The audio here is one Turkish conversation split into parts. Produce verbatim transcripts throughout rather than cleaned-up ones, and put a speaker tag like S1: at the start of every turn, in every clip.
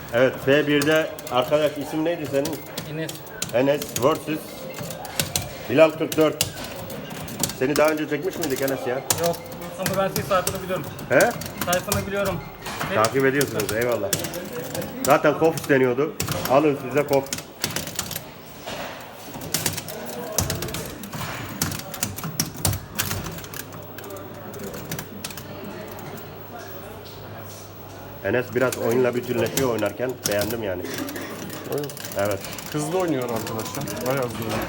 S1: Evet, F bir'de arkadaş isim neydi senin?
S2: Enes.
S1: Enes versus Bilal kırk dört. Seni daha önce çekmiş miydik Enes ya?
S2: Yok. Ama ben senin sayfanı biliyorum.
S1: He?
S2: Sayfanı biliyorum.
S1: Takip ediyorsunuz, eyvallah. Zaten kof isteniyordu. Alın size kof. Enes biraz oyunla bütünleşiyor oynarken, beğendim yani. Evet.
S3: Hızlı oynuyor arkadaşlar. Bayağı hızlı oynuyor.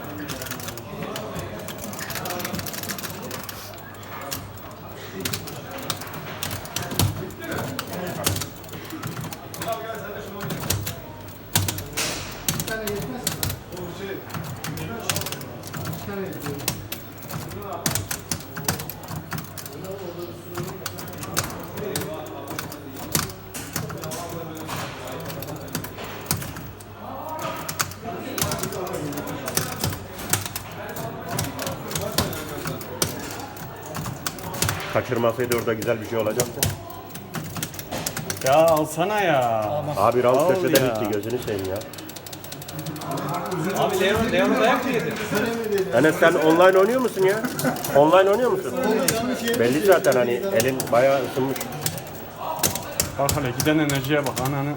S1: Kaçırmasaydı orada güzel bir şey olacaktı.
S3: Ya alsana ya.
S1: Abi Raul
S3: Al
S1: köşeden
S3: ya.
S1: gitti, gözünü seveyim ya.
S4: Abi Leon, Leon dayak mı yedi?
S1: Enes sen online oynuyor musun ya? Online oynuyor musun? Belli zaten hani elin bayağı ısınmış.
S3: Bak hele giden enerjiye bak ananı.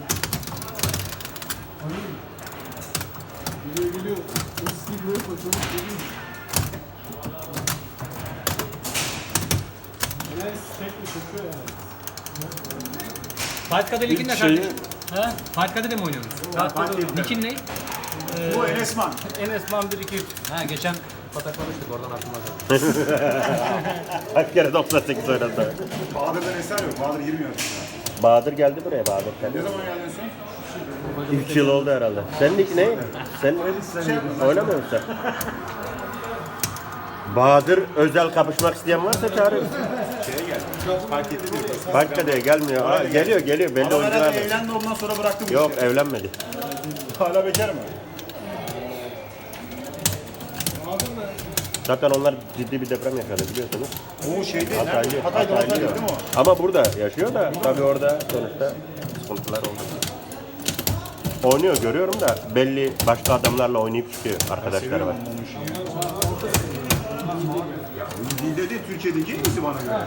S4: Fight Card'ı ligin ne
S3: Şeyi,
S4: kardeşim?
S2: He?
S4: Fight Card'ı mı oynuyorsunuz? Nick'in ne?
S5: Bu Enesman.
S2: Enesman bir iki üç.
S4: Ha geçen pataklamıştık oradan aklıma geldi.
S1: Kaç kere doksan sekiz oynadı.
S5: Bahadır'dan eser yok. Bahadır girmiyor.
S1: Bahadır geldi buraya Bahadır.
S5: Ne zaman geldin sen?
S1: üç yıl oldu herhalde. Senin ilk ne? Sen oynamıyor musun sen? Bahadır özel kapışmak isteyen varsa çağırırız.
S5: Şeye gel. Fark etti diyor.
S1: Parkada'ya gelmiyor. Aa, geliyor geliyor belli
S5: Adam
S1: oyuncular
S5: herhalde
S1: var.
S5: evlendi ondan sonra bıraktı bu
S1: Yok
S5: işi.
S1: evlenmedi.
S5: Hala bekar mı?
S1: Zaten onlar ciddi bir deprem yaşadı biliyorsunuz.
S5: O şeyde
S1: Hataylı,
S5: nerede? Hatay'da
S1: Hataylı
S5: Hatay'da
S1: ya.
S5: değil mi o?
S1: Ama burada yaşıyor da tabii orada sonuçta sıkıntılar oldu. Oynuyor görüyorum da belli başka adamlarla oynayıp çıkıyor arkadaşları var.
S5: Dilde de Türkiye'deki en iyisi bana göre.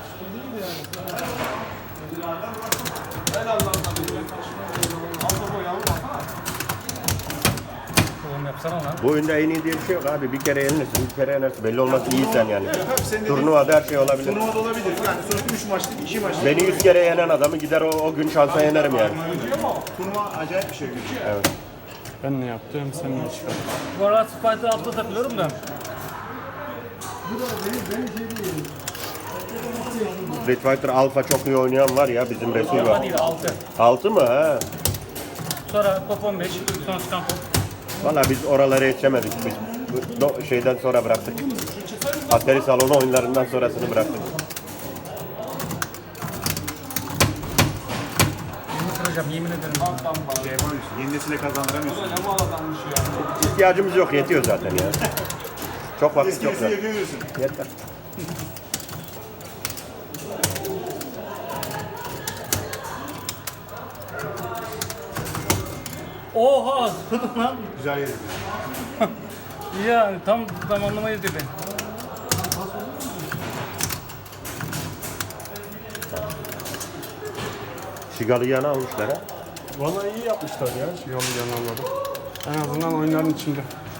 S2: Oğlum yapsana lan.
S1: Bu oyunda en iyi diye bir şey yok abi. Bir kere yenilirsin, bir kere yenersin. Belli olmaz iyiysen yani.
S5: Tabii senin dediğin
S1: Turnuvada her şey olabilir.
S5: turnuvada olabilir. Yani sonuçta üç maçlık, iki maçlık.
S1: Beni yüz kere yenen adamı gider o, o gün şansa yenerim yani.
S5: Turnuva acayip bir şey.
S1: Evet.
S3: ben ne yaptım sen ne çıkardın?
S2: Bu arada Spike'da altta takılıyorum da.
S1: Street Fighter Alpha çok iyi oynayan var ya bizim Resul
S2: Alfa
S1: var.
S2: değil altı.
S1: altı mı ha?
S2: Sonra top on beş. Sonra çıkan top.
S1: Valla biz oralara yetişemedik. Biz bu do- şeyden sonra bıraktık. Atari salonu oyunlarından sonrasını bıraktık.
S2: Yemin kıracağım yemin ederim.
S5: Şey yapamıyorsun. Yeni nesile kazandıramıyorsun.
S1: İhtiyacımız yok yetiyor zaten ya. Çok vakit
S5: Eski
S1: yok
S5: nesile
S1: zaten.
S5: yapamıyorsun.
S1: Yeter.
S2: Oha zıpladım lan.
S5: Güzel yeri.
S2: Ya tam zamanlamayız dedi.
S1: Şigalı yana almışlar ha.
S3: Valla iyi yapmışlar ya şu yolu yanarları. En azından oyunların içinde.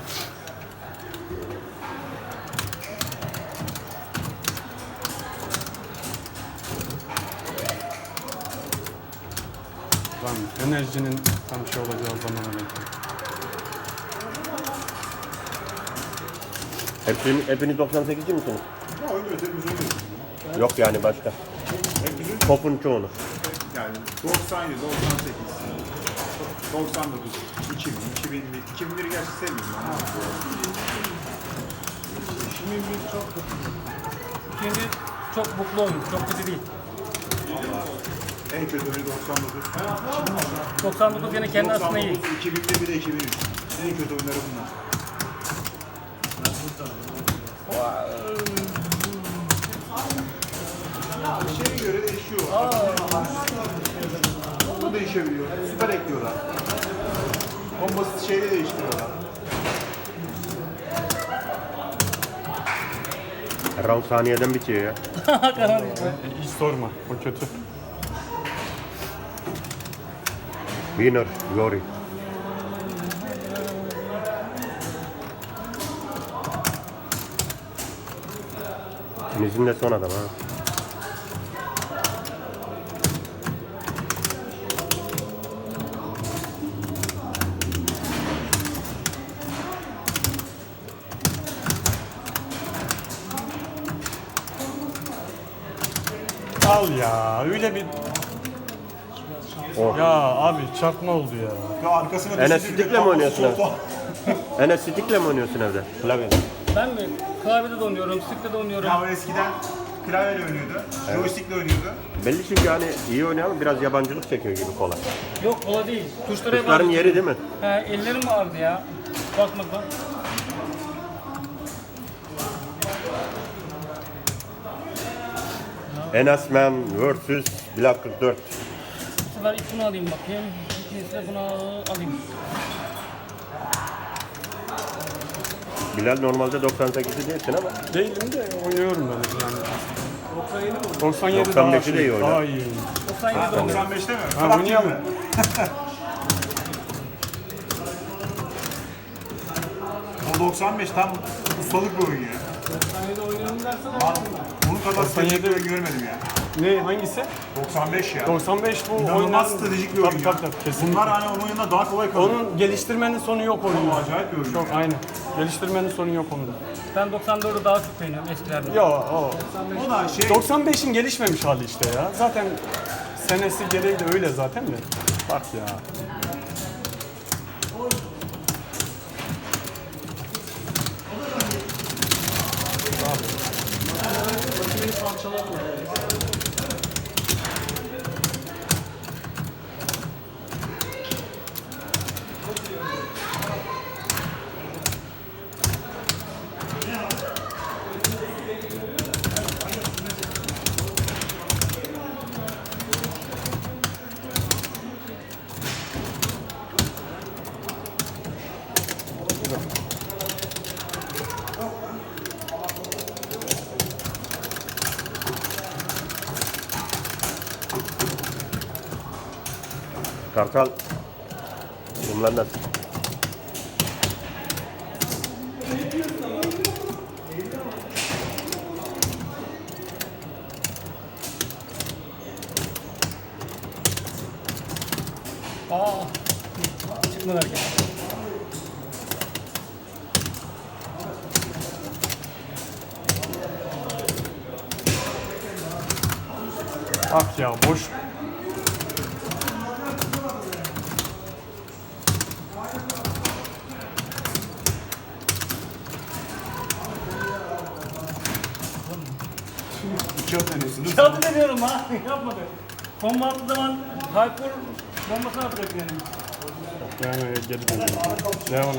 S3: Lan enerjinin tam şey olacağı zamana bekliyorum.
S1: Hepsini, hepiniz doksan sekizci misiniz?
S5: Ya oynuyoruz, hepimiz oynuyoruz.
S1: Yok yani başka.
S5: Hepimizin
S1: Topun çoğunu.
S5: yani doksan yedi, doksan sekiz, doksan dokuz, iki bin, iki bin bir, iki bin biri gerçi sevmiyorum ama.
S2: Şimdi çok mutlu oyun. Çok kötü değil.
S5: En kötü oyunu doksan dokuz.
S2: doksan dokuz yine kendi aslında iyi.
S5: doksan dokuz, iki bin bir, bir de iki bin üç. En kötü oyunları bunlar. Şeye göre değişiyor. bu değişebiliyor. Süper ekliyorlar. O basit şeyde değiştiriyorlar.
S1: Round saniyeden bitiyor ya.
S2: Karar
S3: Hiç sorma. O kötü.
S1: Winner, glory. İkinizin de son adam ha.
S3: Al ya. Öyle bir...
S1: Oh.
S3: Ya abi çarpma oldu ya.
S5: Ya arkasına
S1: Enes
S5: düşünce bir de
S1: Sidik'le mi oynuyorsun
S5: sopa.
S1: Enes Sidik'le mi oynuyorsun evde? Klavyede.
S2: Ben mi? Klavyede de oynuyorum, stick'te de oynuyorum.
S5: Ya o eskiden klavyeyle oynuyordu. Joystick'le oynuyordu.
S1: Belli çünkü hani iyi oynayan biraz yabancılık çekiyor gibi kola.
S2: Yok kola değil. Tuşlara
S1: Tuşların
S2: bağlı.
S1: yeri değil mi?
S2: He, ellerim ağrıdı ya. Bakmaktan.
S1: Enes Man vs Black kırk dört.
S2: Bu sefer ilk bunu alayım bakayım. İkincisi de bunu alayım.
S1: Bilal normalde doksan sekiz'i değilsin ama
S3: Değilim de oynuyorum ben yani. doksan yedi
S1: doksan
S3: daha
S1: beşi
S3: şey,
S1: de iyi oynar.
S3: daha iyi.
S2: doksan yedi de oynuyorum.
S5: doksan beşte mi?
S3: Ha,
S5: Fırat
S3: oynayalım.
S5: gibi. O doksan beş tam ustalık bir oyun ya.
S2: doksan yedi oynuyorum dersen
S5: Ben bunun kadar
S3: doksan yedi
S5: stratejik bir oyun görmedim ya.
S3: Ne hangisi?
S5: doksan beş ya.
S3: doksan beş bu
S5: İnanılmaz
S3: oyunların...
S5: stratejik bir oyun
S3: tabii,
S5: ya.
S3: tabii, tabii, kesinlikle.
S5: Bunlar hani onun yanında daha kolay kalıyor.
S3: Onun geliştirmenin sonu yok oyunda.
S5: Çok acayip bir oyun
S3: Çok
S5: ya.
S3: aynı. Geliştirmenin sonu yok onda.
S2: ben doksan dördü daha çok beğeniyorum eskilerden.
S3: Ya o.
S5: O da şey,
S3: doksan beşin gelişmemiş hali işte ya. Zaten senesi gereği de öyle zaten de. Bak ya.
S1: Kartal. Bunlar nasıl?
S2: Aa. Çıkmadı hareket.
S3: Bak ya boş.
S5: iki at deniyorsunuz.
S2: Çaldı deniyorum ha. Yapmadı. Bomba attığı zaman Hyper bombasını atacak yani.
S3: Yani geri dönüyorum. Devam.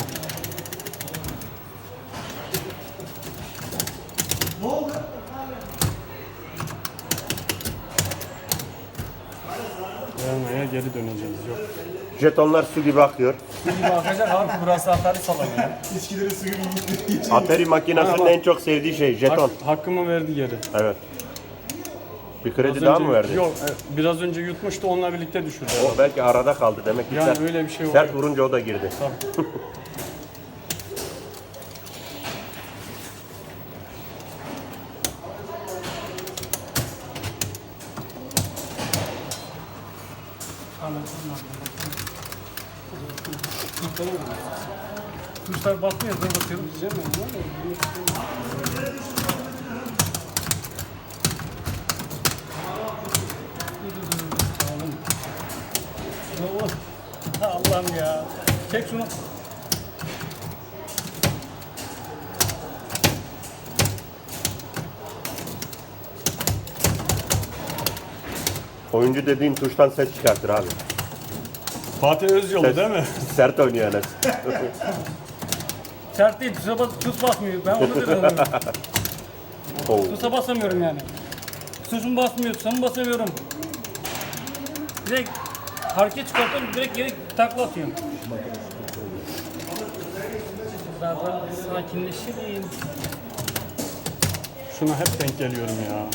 S3: Vermeye geri döneceğiz. Yok.
S1: Jetonlar su gibi akıyor.
S2: Şimdi bakacak abi burası hatari salon ya.
S5: İçkileri suyu gibi.
S1: Atari makinesinin en çok sevdiği şey jeton.
S3: Hak, hakkımı verdi geri.
S1: Evet. Bir kredi
S3: Az
S1: daha
S3: önce-
S1: mı verdi?
S3: Yok, e, biraz önce yutmuştu, onunla birlikte düşürdü.
S1: O belki arada kaldı demek ki
S3: Yani
S1: sert,
S3: öyle bir şey
S1: sert
S3: oluyor.
S1: vurunca o da girdi.
S3: Tabii.
S2: Tuşlar basmıyor, zor basıyorum. Allah'ım ya. Çek şunu.
S1: Oyuncu dediğin tuştan ses çıkartır abi.
S3: Fatih Özyolu
S1: Ses-
S3: değil mi?
S1: Sert oynuyor Enes.
S2: Sert değil, tuşa bas, tuş basmıyor. Ben onu dedim.
S1: Oo.
S2: Tuşa basamıyorum yani. Tuşumu basmıyor, tuşumu basamıyorum. Direkt Parke çıkartıyorum direkt geri takla atıyorum. Daha da sakinleşeyim.
S3: Şuna hep denk geliyorum ya.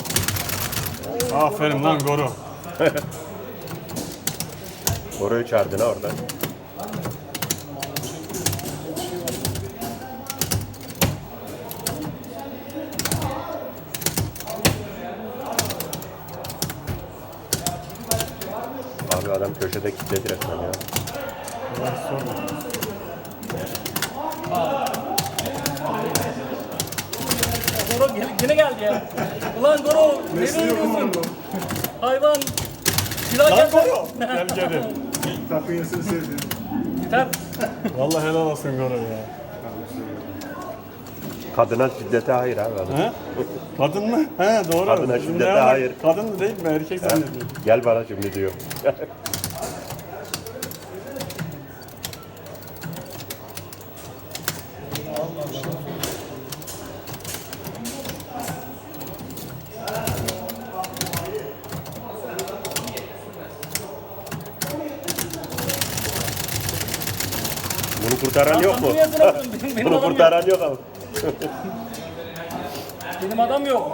S3: Aferin lan Goro.
S1: Orayı çağırdın ha oradan. Abi adam köşede kilitledi resmen ya.
S2: Goro gene, gene geldi ya. Ulan Goro nereye gidiyorsun? Hayvan. Silah
S3: Lan
S2: geldi.
S3: Goro. Gel geri.
S5: Takıyasını sevdim.
S2: Biter.
S3: Vallahi helal olsun Goro ya.
S1: Kadına şiddete hayır abi adam.
S3: He? Kadın mı? He doğru.
S1: Kadına
S3: Şimdi
S1: şiddete
S3: hemen
S1: hayır.
S3: Kadın değil mi? Erkek zannediyorum.
S1: Gel bana şimdi diyor. Bunu kurtaran yok mu?
S2: Niye bırakın? Benim, benim
S1: Bunu
S2: adam yok.
S1: kurtaran yok ama.
S2: Benim adam yok.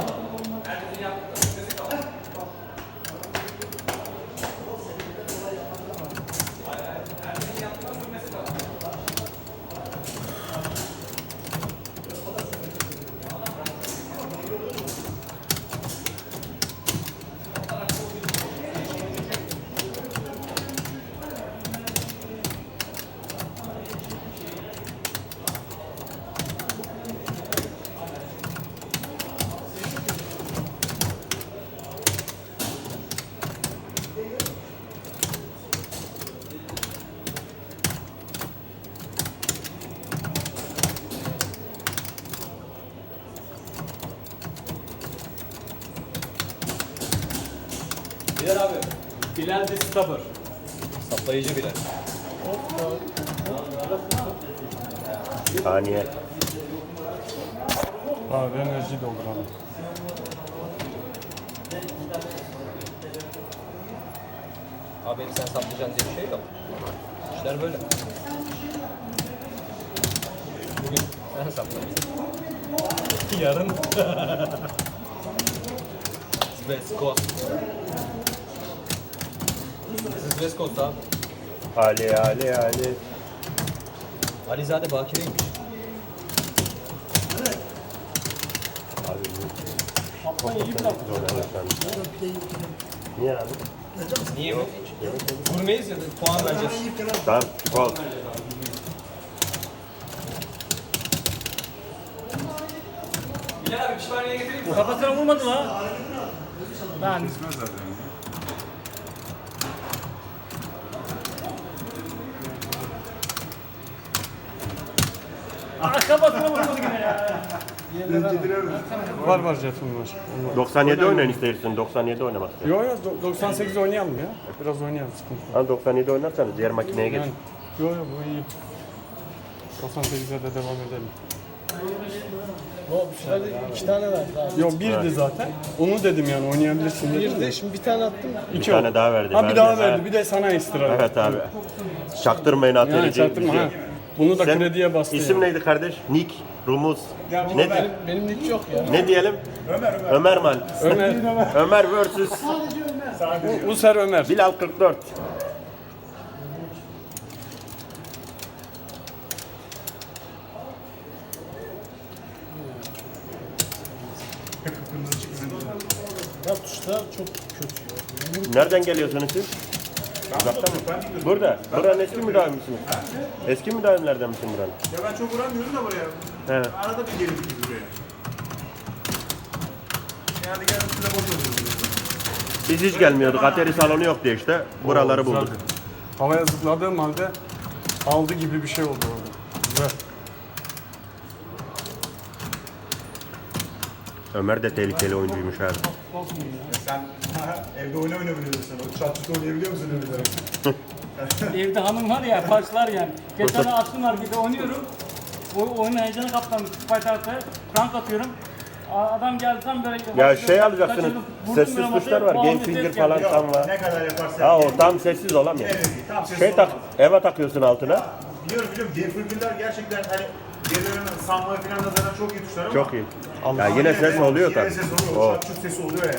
S4: Bilal abi. Bilal de stopper. Saplayıcı Bilal.
S1: Saniye.
S3: Abi enerji dolduralım.
S4: Abi beni sen saplayacaksın diye bir şey yok. İşler böyle. Bugün sen saplayacaksın. Yarın. West Coast. This is West Coast abi.
S1: Ali Ali Ali.
S4: Alizade Bakire'ymiş.
S1: Niye abi?
S4: Niye mi? Vurmayız ya da puan vereceğiz.
S1: Tamam, kol.
S4: Bilal abi pişmaniye getireyim mi?
S2: Kafasına vurmadım ha. Ben
S5: Kesmez zaten.
S2: ah, kafasına vurmadı yine ya.
S3: Var var jeton var. Onlar-
S1: doksan yedi oynayın istersen. doksan yedi oynamak istedim.
S3: Yo yo do- doksan sekiz oynayalım ya. Biraz oynayalım sıkıntı yok.
S1: Ha doksan yedi oynarsanız diğer makineye geç.
S3: Yani, yo yo bu iyi. doksan sekize de devam edelim.
S6: O şöyle iki tane verdi abi.
S3: Yo birdi zaten. Onu dedim yani oynayabilirsin dedim.
S6: Bir de şimdi bir tane attım.
S1: Bir
S3: İki
S1: tane
S3: oldu.
S1: daha verdi.
S3: Ha bir
S1: verdi.
S3: daha
S1: Ha.
S3: verdi. Bir de sana ekstra verdi.
S1: Evet abi. Çaktırmayın
S3: Yani
S1: atölyeci.
S3: çaktırma ha. Bunu da
S1: Sen-
S3: krediye bastı.
S1: İsim
S3: yani.
S1: neydi kardeş? Nick, Rumuz. Ne
S6: Benim, benim hiç yok ya.
S1: Ne diyelim? Ömer Ömer. Ömerman.
S3: Ömer.
S1: Ömer versus
S3: User Ömer.
S1: Bilal kırk dört.
S6: Ya tuşlar çok kötü ya.
S1: Nereden geliyorsunuz siz? Uzaktan mı? Burada. Buranın eski müdavim misiniz? Eski müdavimlerden misin buranın?
S5: Ya ben çok uğramıyorum da buraya.
S1: He.
S5: Arada bir gelip gidiyoruz buraya. Yani gelip size boş oluyoruz.
S1: Biz hiç gelmiyorduk. Atari salonu yok diye işte. Buraları
S3: Oo, güzel.
S1: bulduk.
S3: Havaya zıpladığım halde aldı gibi bir şey oldu orada. Güzel.
S1: Ömer de tehlikeli oyuncuymuş abi.
S5: Sen evde oyna oynayabiliyorsun. O çatçıda oynayabiliyor musun öyle?
S2: Evde hanım var ya, başlar yani. Geçen açtım markete oynuyorum. O oyunun heyecanı kaptanmış. Fight Art'a rank atıyorum. Adam geldi tam böyle...
S1: Ya şey alacaksınız,
S2: Kaçırdım, vurdum
S1: sessiz
S2: böyle
S1: tuşlar
S2: masaya,
S1: var,
S2: bam
S1: game
S2: diye
S1: finger
S2: ses
S1: falan
S2: geldi.
S1: tam var.
S5: Ne kadar yaparsan.
S1: Ha o tam sessiz olamıyor.
S5: Evet, tam sessiz
S1: Şey tak,
S5: olamıyor.
S1: eve takıyorsun altına.
S5: Biliyorum biliyorum. Gaffergiller gerçekten hani gerilerin sanma falan da zaten çok iyi tuşlar ama.
S1: Çok iyi.
S3: Allah.
S1: Ya yine ses oluyor
S5: Yine
S1: tabii.
S5: ses oluyor.
S1: O.
S5: O çat çut sesi oluyor yani.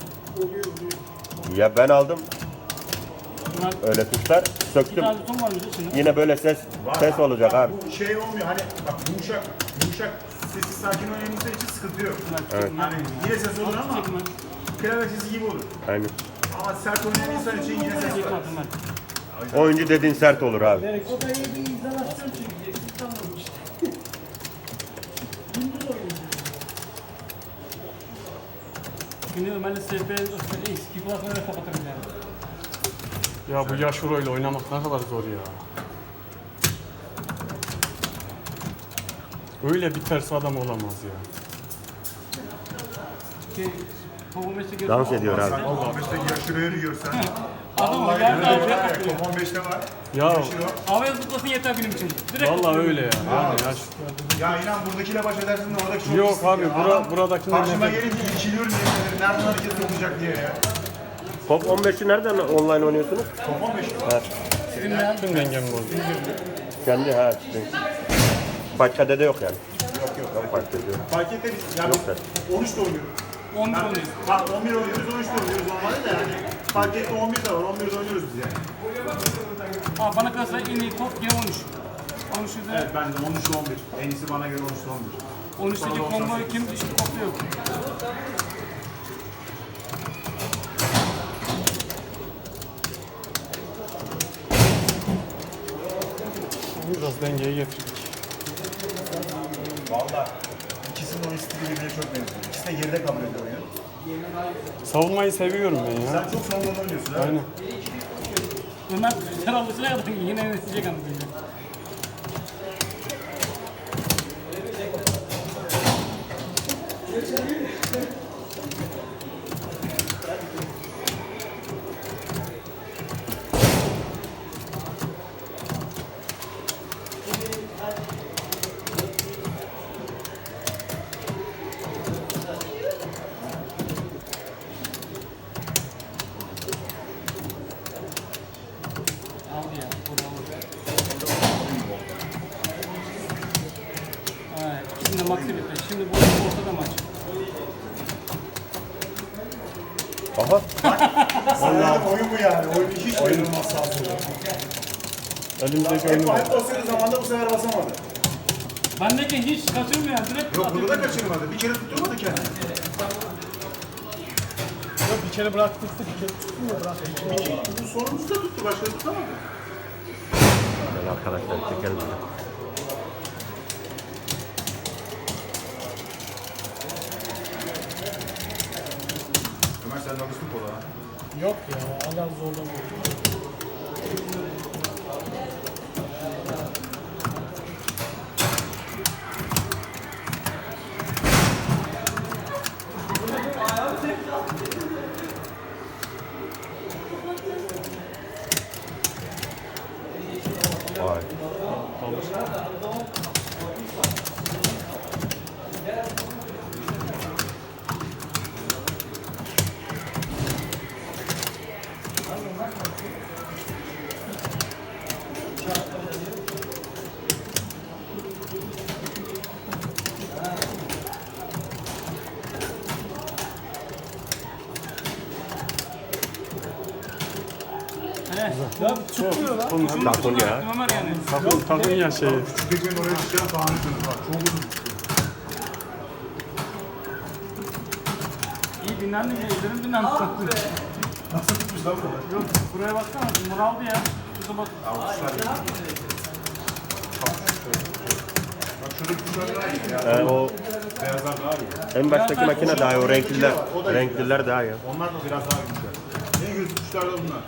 S1: Ya ben aldım
S2: Bunlar
S1: öyle tuşlar,
S2: bir
S1: söktüm.
S2: tane son var mı içinde?
S1: Yine böyle ses
S5: Var.
S1: ses olacak abi.
S5: Bu şey olmuyor hani bak yumuşak yumuşak sessiz sakin oynayanızda için sıkıntı yok.
S1: Evet.
S5: Yani yine ses olur ama
S2: Çekme.
S5: klavye sesi gibi olur.
S1: Aynen.
S5: Ama sert oynayan insan için yine ses var.
S2: Çekme ben.
S1: Oyuncu dediğin sert olur abi.
S6: O da iyi bir izolasyon çekeceksin. Tamam işte. Gündüz oynuyor.
S2: Şimdi Ömer'le S P eski kulaklarını kapatırım yani.
S3: Ya bu Yashiro ile oynamak ne kadar zor ya. Öyle bir ters adam olamaz ya.
S2: Ki Kovamesi görüyor.
S1: Dans ediyor abi.
S5: Sen on beşte yaşırıyor yiyorsan.
S2: Adam
S5: Vallahi
S2: geldi
S5: öyle
S2: abi.
S5: var ya, top on beşte var.
S3: Ya
S5: Yaşıyor.
S2: Havaya zıplasın yeter benim için. Direkt
S3: vallahi öyle ya. Yani yaş...
S5: Ya inan buradakiyle baş edersin de oradaki çok
S3: Yok
S5: pislik
S3: abi,
S5: ya.
S3: bura-
S5: Adam
S3: buradakinden
S5: karşıma
S3: nefret-
S5: gelince irkiliyorum diye ederim. Nereden hareket sokacak diye ya.
S1: Top on beşi nereden online oynuyorsunuz?
S5: Top on beş.
S3: Tüm dengem bozdu.
S1: Kendi ha. Sizin. Başka dede yok yani. Yok yok. Ben fark ediyorum.
S5: Fark etmez. Yani
S1: Yok be.
S5: on üçte oynuyoruz.
S2: on bir
S5: Yani,
S2: oynuyoruz.
S5: bak on bir oynuyoruz, on üçte oynuyoruz normalde de yani. Fark etti on bir de var, on birde oynuyoruz biz yani.
S2: Aa, bana kalırsa en iyi top yine on üç. on üçte
S5: Evet ben de on üçte on bir. En iyisi bana göre on üçte on bir.
S2: on üçteki komboyu kim işte kopya yok.
S3: Biraz dengeyi getirdik.
S5: Valla ikisinin oyun stili birbirine çok benziyor. İkisi de geride kabul ediyor oyunu.
S3: Savunmayı seviyorum ben ya.
S5: Sen çok savunmalı oynuyorsun ha.
S3: Aynen.
S2: Ömer sen alışına kadar yine yönetecek anlatacak. Aldı ya. Burada aldı. Evet. Şimdi maxi bitti. Şimdi bu ortada maç.
S1: Aha.
S5: Vallahi oyun bu yani. Oyunu hiç oynanmaz sahasında.
S3: Elimizdeki
S5: Hep,
S3: oyunu.
S5: hep basıyordu zamanda bu sefer basamadı.
S2: Bendeki hiç kaçırmıyor yani. Direkt
S5: Yok
S2: atıyor.
S5: burada da kaçırmadı. Bir kere tutturmadı kendini.
S6: Yok bir kere bıraktırdı, bir kere tuttum ya bıraktı.
S5: Bu sonuncusu da tuttu. Başka tutamadı.
S1: Gel arkadaşlar çekelim.
S5: Ömer sen de alıştın kola ha.
S6: Yok ya hala zorlamıyor.
S1: Vay.
S2: He.
S6: Ya çıkmıyor lan.
S3: Oğlum,
S2: Şunu
S1: Takın
S2: şunu
S1: ya.
S2: bıraktım Ömer yani.
S3: takın, takın ya şeyi.
S5: Küçük ekmeğin oraya düşen sahne sınıfı var. Çok uzun tutuyor.
S2: İyi dinlendim ya. Ellerim dinlendi.
S5: Nasıl tutmuş lan bu?
S2: Yok buraya baksana. Bunu aldı ya. Şurada bak.
S5: Bak şuradaki tuşlar daha iyi ya.
S1: Ee, o
S5: Beyazlar daha iyi.
S1: en baştaki makine daha iyi. O renkliler, renkliler daha iyi.
S5: Onlar da biraz daha güçler. En kötü tuşlar da bunlar.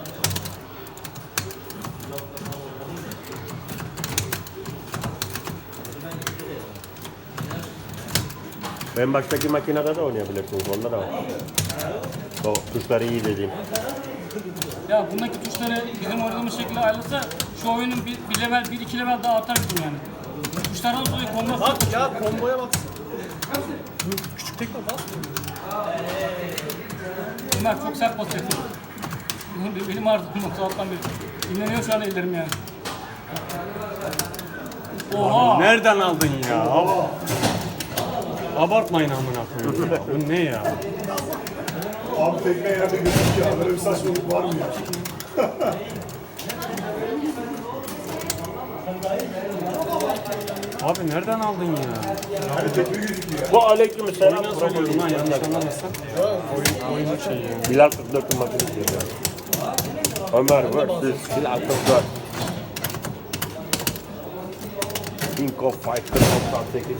S1: En baştaki makinede de oynayabilirsiniz. Onda da var. O tuşları iyi dediğim.
S2: Ya bundaki tuşları bizim oynadığımız şekilde ayrılsa şu oyunun bir, bir level, bir iki level daha artar bizim yani. Tuşlardan dolayı kombo
S6: Bak ya komboya bak.
S3: Küçük
S6: Tekme basmıyor.
S2: Ömer çok sert basıyor. Benim, benim ağrıdım sabahtan beri. İnleniyor şu an ellerim yani. Oha!
S3: Nereden aldın ya? Ab- Abartmayın amına koyayım ya. Bu ne ya?
S5: Abi tekme yerde gözüküyor ya. Böyle bir saçmalık var mı ya?
S3: Abi nereden aldın ya?
S5: Yani tekme gözüküyor.
S1: Bu aleykümselam.
S3: Oyuna soruyorum lan yanlış anlamazsan. Oyun, oyun şey yani.
S1: Bilal kırk dört'ün makinesi yapıyor. Ömer versus Bilal kırk dört. King of Fighter doksan sekiz.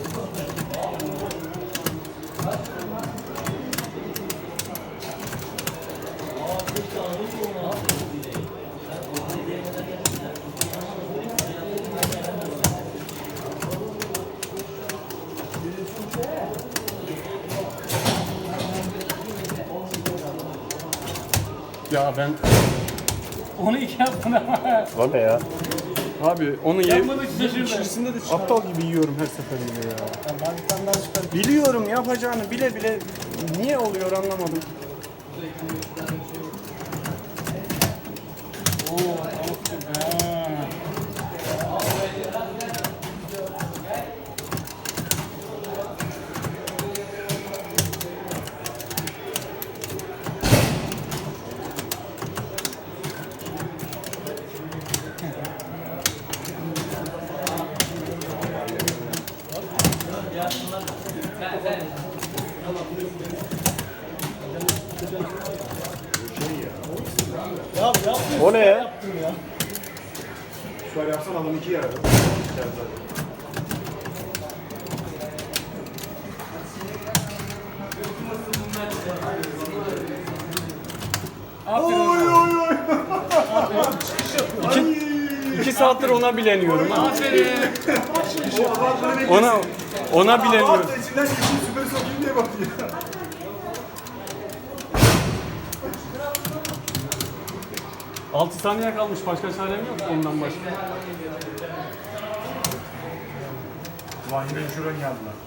S3: Ya ben
S2: Onu iki yaptın ama.
S1: O ne ya?
S3: abi onu ye
S2: Yapmadık şaşırdı.
S3: içerisinde de aptal gibi yiyorum her seferinde ya.
S6: Ben bir tane daha çıkarım.
S3: Biliyorum yapacağını bile bile niye oluyor anlamadım.
S2: Oo, tavuk. Ha.
S6: Ya yapma.
S1: O ne ya?
S6: Yaptım ya.
S5: Şöyle yapsan adam iki yer adam.
S2: Aferin.
S3: İki saattir ona bileniyorum ha.
S2: Aferin.
S3: Ona ona bileniyorum.
S5: Abi içinden geçeyim süper sokayım diye bakıyor.
S3: altı saniye kalmış başka çarem yok ondan başka.
S5: Lan yine şuradan geldiler.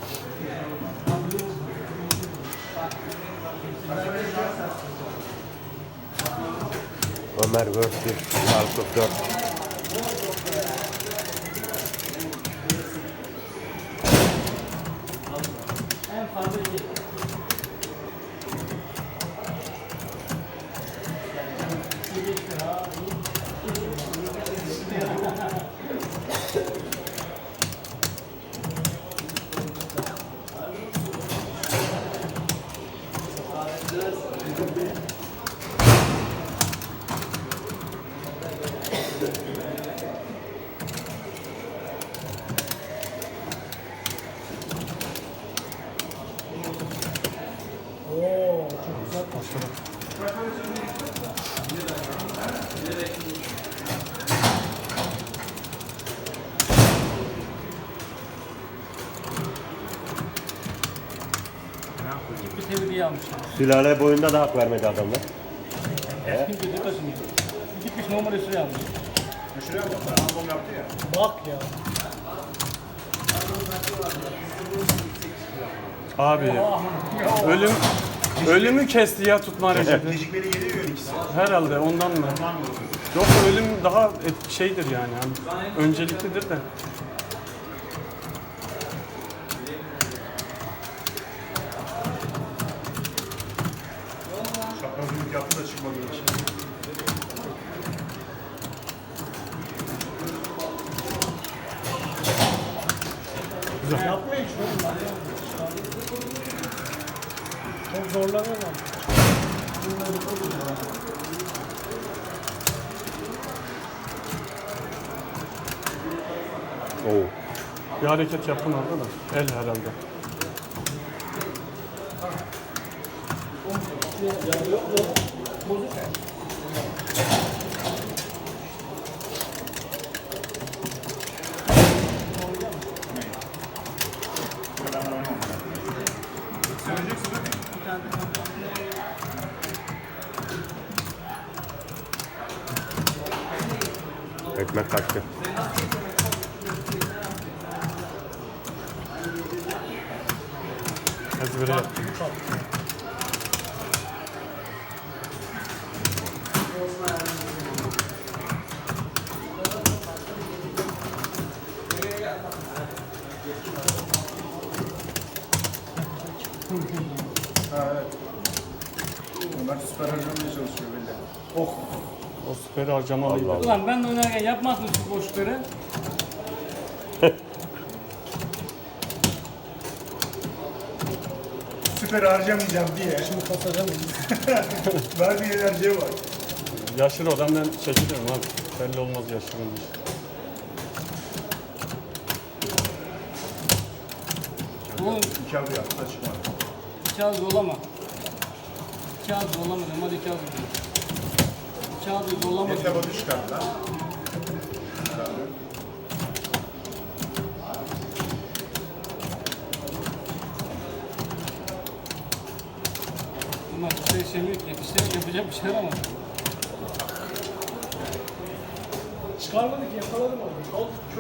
S1: Ömer versus Bilal kırk dört.
S6: Oo, çok güzel başladı.
S2: Bir tevriye almış.
S1: Sülale boyunda da hak vermedi adamlar.
S2: Gözü kaşınıyor. Gitmiş normal esri almış.
S5: Şuraya bak. Random yaptı ya.
S6: Bak ya.
S3: Abi ölüm ölümü kesti ya tutma Recep'i.
S5: Gecikmeli geliyor ikisi.
S3: Herhalde ondan mı? Yok ölüm daha et- şeydir yani. Hani önceliklidir de.
S5: Şapkazılık yaptı da çıkmadı için.
S6: Yapmayın şunu. Çok zorlanıyorlar.
S1: Oo.
S3: Bir hareket yapın orada da. El herhalde.
S1: Ekmek kaçtı.
S3: Hazır. Böyle yap.
S5: Ha evet. Onlar süper harcamaya çalışıyor belli. Oh.
S3: O süper harcamalıydı.
S1: Allah Allah.
S2: Ulan ben de oynarken yapmazsın şu boşlukları.
S5: Süper harcamayacağım diye.
S6: Şimdi kasacağım.
S5: Verdiği enerjiye bak.
S3: Yaşır adam ben çekilirim abi. Belli olmaz yaşırın.
S2: Oğlum
S5: İki adı yaptı da çıkmadı.
S2: iki az zorlama. İki az zorlama dedim, hadi iki az zorlama. İki az zorlama.
S5: Yeter adı çıkardı lan. Çıkardı.
S2: Bunlar bir şey işlemiyor ki, bir şey yapacak bir şey var ama.
S6: Çıkarmadık yakaladım onu.